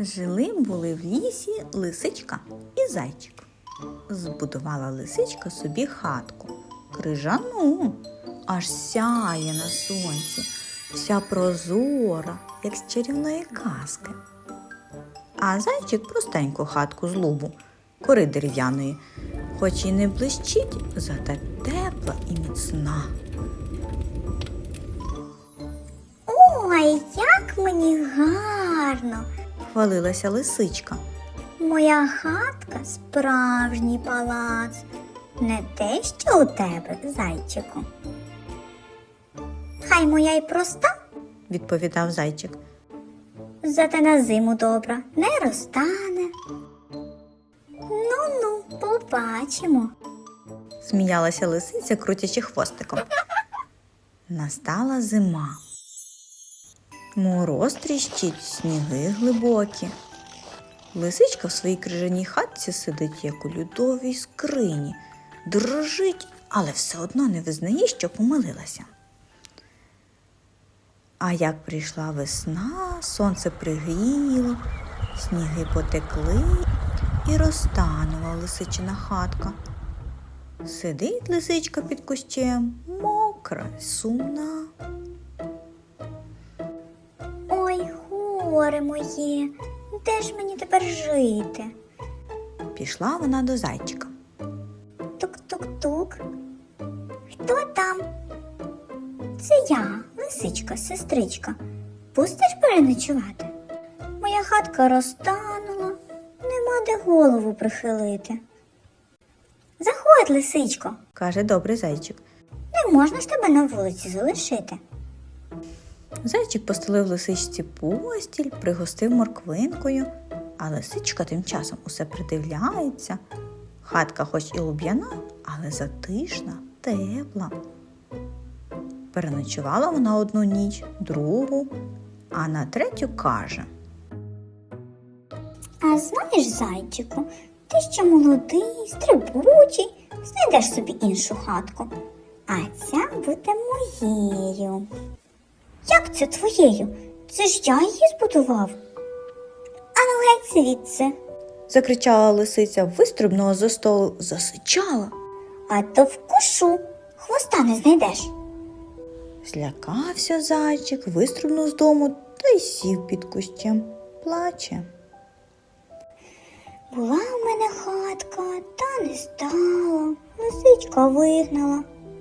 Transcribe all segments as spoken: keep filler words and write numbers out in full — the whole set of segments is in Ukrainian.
Жили-були в лісі лисичка і зайчик. Збудувала лисичка собі хатку, крижану, аж сяє на сонці, вся прозора, як з чарівної казки. А зайчик простеньку хатку з лубу, кори дерев'яної, хоч і не блищить, зате тепла і міцна. Ой, як мені гарно! Хвалилася лисичка. Моя хатка справжній палац, не те, що у тебе, зайчику. Хай моя й проста, Відповідав зайчик. зате на зиму добра, не розтане. Ну-ну, побачимо. Сміялася лисиця, крутячи хвостиком. Настала зима. Мороз тріщить, сніги глибокі. Лисичка в своїй крижаній хатці сидить, як у льодовій скрині, дрожить, але все одно не визнає, що помилилася. А як прийшла весна, сонце пригріло, сніги потекли і розтанула лисичина хатка. Сидить лисичка під кущем, мокра, сумна. Ой, горе моє, де ж мені тепер жити? Пішла вона до зайчика. Тук-тук-тук. Хто там? Це я, лисичка, сестричка. Пустиш переночувати? Моя хатка розтанула, нема де голову прихилити. Заходь, лисичко, Каже добрий зайчик. не можна ж тебе на вулиці залишити. Зайчик постелив лисичці постіль, пригостив морквинкою, а лисичка тим часом усе придивляється. Хатка хоч і луб'яна, але затишна, тепла. Переночувала вона одну ніч, другу, а на третю каже. А знаєш, зайчику, ти ще молодий, стрибучий, знайдеш собі іншу хатку. А ця буде моєю. Як це твоєю? Це ж я її збудував. Ану геть звідси, Закричала лисиця, вистрибнула за столу, засичала. а то вкушу, хвоста не знайдеш. Злякався зайчик, вистрибнув з дому та й сів під кущем. Плаче. Була в мене хатка, та не стало, лисичка вигнала.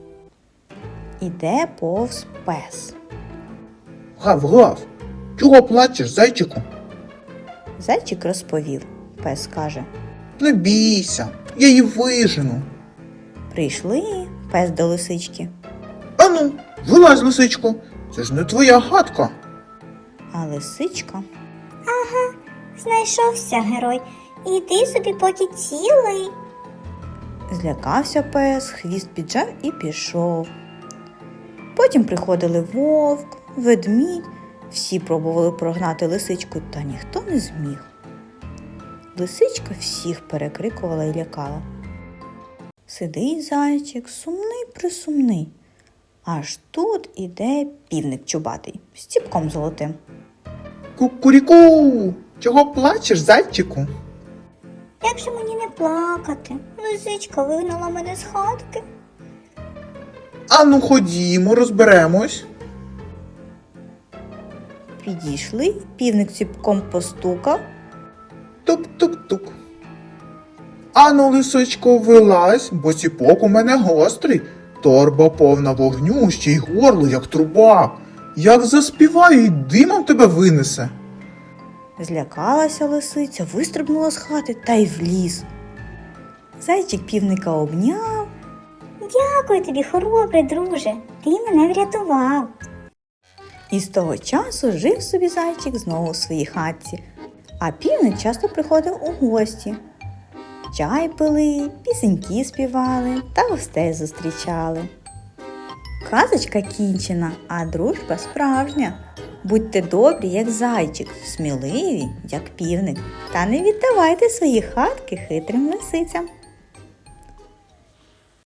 Іде повз пес. Гав-гав, чого плачеш, зайчику? Зайчик розповів. Пес каже. Не бійся, я її вижену. Прийшли пес до лисички. Ану, вилазь, лисичко, це ж не твоя хатка. А лисичка Знайшовся герой, іди собі поки цілий. злякався пес, хвіст піджав і пішов. Потім приходили вовк, ведмідь, всі пробували прогнати лисичку, та ніхто не зміг. Лисичка всіх перекрикувала і лякала. Сидить зайчик, сумний-присумний. Аж тут іде півник чубатий, з ціпком золотим. Кукуріку, чого плачеш, зайчику? Як же мені не плакати? Лисичка вигнала мене з хатки. Ану, ходімо, розберемось. Підійшли, півник ціпком постукав. Тук-тук-тук. Ану, лисичко, вилазь, бо ціпок у мене гострий. Торба повна вогню, ще й горло, як труба. Як заспіваю, і димом тебе винесе. Злякалася лисиця, вистрибнула з хати та й в ліс. Зайчик півника обняв. Дякую тобі, хоробрий друже, ти мене врятував. І з того часу жив собі зайчик знову у своїй хатці, а півник часто приходив у гості. Чай пили, пісеньки співали та гостей зустрічали. Казочка кінчена, а дружба справжня. Будьте добрі, як зайчик, сміливі, як півник, та не віддавайте свої хатки хитрим лисицям.